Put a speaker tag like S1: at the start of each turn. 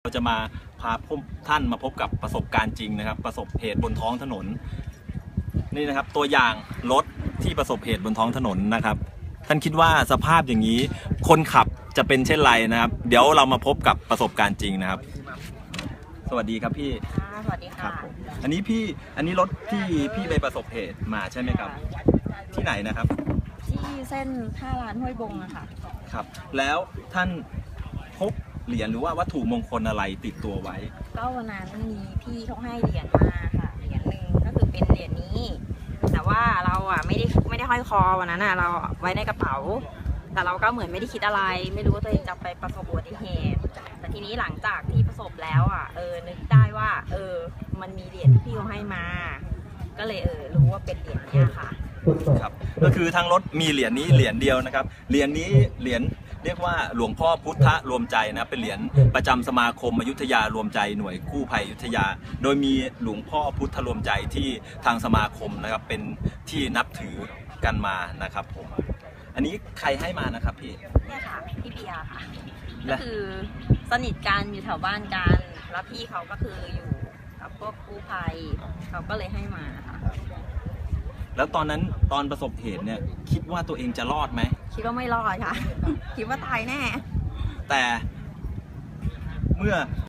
S1: ก็จะมาพาท่านมาพบกับประสบการณ์จริงนะครับประสบเหตุบนท้องถนนนี่นะครับตัวอย่างรถที่ประสบเหตุบนท้องถนนนะครับท่านคิดว่าสภาพอย่างนี้คนขับจะเป็นเช่นไรนะครับเดี๋ยวเรามาพบกับประสบการณ์จริงนะครับสวัสดีครับพี่
S2: สวัสดีค่ะ
S1: อันนี้รถที่พี่ไปประสบเหตุมาใช่ไหมครับที่ไหนนะครับ
S2: ที่เส้นท่าร้านห้วยบงอะค่ะ
S1: ครับแล้วท่านพกเหรียญหรือว่าวัตถุมงคลอะไรติดตัวไว้
S2: ก็วันนั้นมีพี่เขาให้เหรียญมาค่ะเหรียญหนึ่งก็คือเป็นเหรียญนี้แต่ว่าเราอะไม่ได้ห้อยคอวันนั้นอะเราไว้ในกระเป๋าแต่เราก็เหมือนไม่ได้คิดอะไรไม่รู้ว่าตัวเองจะไปประสบอุบัติเหตุแต่ทีนี้หลังจากที่ประสบแล้วอะนึกได้ว่ามันมีเหรียญที่พี่เขาให้มาก็เลยรู้ว่าเป็นเหรียญนี้ค่ะ
S1: ครับก็คือทางรถมีเหรียญนี้เหรียญเดียวนะครับเหรียญนี้เหรียญเรียกว่าหลวงพ่อพุทธรวมใจนะเป็นเหรียญประจำสมาคมอยุธยารวมใจหน่วยกู้ภัยอยุธยาโดยมีหลวงพ่อพุทธรวมใจที่ทางสมาคมนะครับเป็นที่นับถือกันมานะครับผมอันนี้ใครให้มานะครับพี่
S2: เนี่ยค่ะพี่เบียร์ค่ะก็คือสนิทกันอยู่แถวบ้านกันแล้วพี่เขาก็คืออยู่กับพวกกู้ภัยเขาก็เลยให้มาค่ะ
S1: แล้วตอนนั้นตอนประสบเหตุเนี่ยคิดว่าตัวเองจะรอดไหม
S2: คิดว่าไม่รอดค่ะคิดว่าตายแน่
S1: แต่เมื่อ